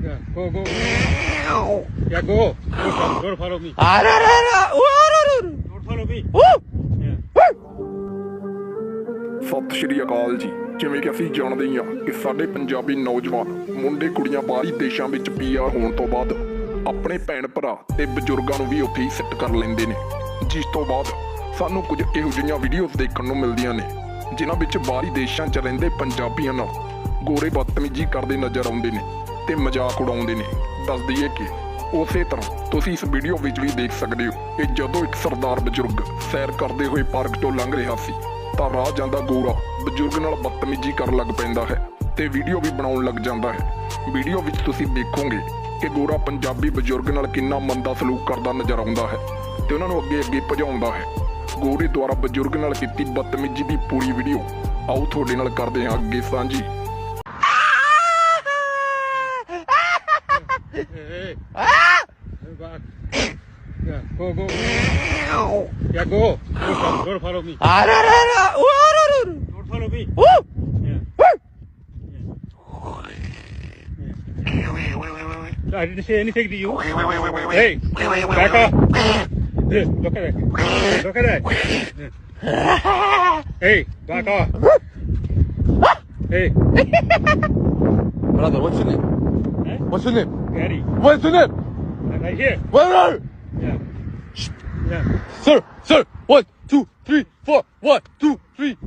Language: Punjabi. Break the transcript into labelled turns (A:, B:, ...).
A: Yeah, go, go. Yeah, go. Don't follow me. Don't follow me. Yeah.
B: ਸਤਿ ਸ਼੍ਰੀ ਅਕਾਲ ਜੀ। ਜਿਵੇਂ ਕਿ ਅਸੀਂ ਜਾਣਦੇ ਹਾਂ ਕਿ ਸਾਡੇ ਪੰਜਾਬੀ ਨੌਜਵਾਨ ਮੁੰਡੇ ਕੁੜੀਆਂ ਬਾਹਰੀ ਦੇਸ਼ਾਂ ਵਿੱਚ ਪੀਆਰ ਹੋਣ ਤੋਂ ਬਾਅਦ ਆਪਣੇ ਭੈਣ ਭਰਾ ਤੇ ਬਜ਼ੁਰਗਾਂ ਨੂੰ ਵੀ ਉੱਥੇ ਹੀ ਸੈੱਟ ਕਰ ਲੈਂਦੇ ਨੇ, ਜਿਸ ਤੋਂ ਬਾਅਦ ਸਾਨੂੰ ਕੁਝ ਇਹੋ ਜਿਹੀਆਂ ਵੀਡੀਓਜ਼ ਦੇਖਣ ਨੂੰ ਮਿਲਦੀਆਂ ਨੇ ਜਿਨ੍ਹਾਂ ਵਿੱਚ ਬਾਹਰੀ ਦੇਸ਼ਾਂ 'ਚ ਰਹਿੰਦੇ ਪੰਜਾਬੀਆਂ ਨਾਲ ਗੋਰੇ ਬਦਤਮੀਜ਼ੀ ਕਰਦੇ ਨਜ਼ਰ ਆਉਂਦੇ ਨੇ ਤੇ ਮਜ਼ਾਕ ਉਡਾਉਂਦੇ ਨੇ। ਦੱਸ ਦਈਏ ਕਿ ਉਸੇ ਤਰ੍ਹਾਂ ਤੁਸੀਂ ਇਸ ਵੀਡੀਓ ਵਿੱਚ ਵੀ ਦੇਖ ਸਕਦੇ ਹੋ ਕਿ ਜਦੋਂ ਇੱਕ ਸਰਦਾਰ ਬਜ਼ੁਰਗ ਸੈਰ ਕਰਦੇ ਹੋਏ ਪਾਰਕ ਤੋਂ ਲੰਘ ਰਿਹਾ ਸੀ ਤਾਂ ਰਾਹ ਜਾਂਦਾ ਗੋਰਾ ਬਜ਼ੁਰਗ ਨਾਲ ਬਦਤਮੀਜ਼ੀ ਕਰਨ ਲੱਗ ਪੈਂਦਾ ਹੈ ਤੇ ਵੀਡੀਓ ਵੀ ਬਣਾਉਣ ਲੱਗ ਜਾਂਦਾ ਹੈ। ਵੀਡੀਓ ਵਿੱਚ ਤੁਸੀਂ ਦੇਖੋਗੇ ਕਿ ਗੋਰਾ ਪੰਜਾਬੀ ਬਜ਼ੁਰਗ ਨਾਲ ਕਿੰਨਾ ਮੰਦਾ ਸਲੂਕ ਕਰਦਾ ਨਜ਼ਰ ਆਉਂਦਾ ਹੈ ਤੇ ਉਹਨਾਂ ਨੂੰ ਅੱਗੇ ਭਜਾਉਂਦਾ ਹੈ। ਗੋਰੇ ਦੁਆਰਾ ਬਜ਼ੁਰਗ ਨਾਲ ਕੀਤੀ ਬਦਤਮੀਜ਼ੀ ਦੀ ਪੂਰੀ ਵੀਡੀਓ ਆਓ ਤੁਹਾਡੇ ਨਾਲ ਕਰਦੇ ਹਾਂ ਅੱਗੇ ਸਾਂਝੀ।
A: Hey. Back. Yeah, go, go. Yeah, go. Don't follow me. Don't follow me. Yeah. I didn't say anything to you. Hey, back off. Look at that. Look at that. Hey, back off. Hey.
C: Brother, what's your name?
A: Huh?
C: What's your name?
A: Gary.
C: What's your name?
A: Right here.
C: Where are you?
A: Yeah. Yeah.
C: Sir, 1, 2, 3, 4, 1, 2, 3.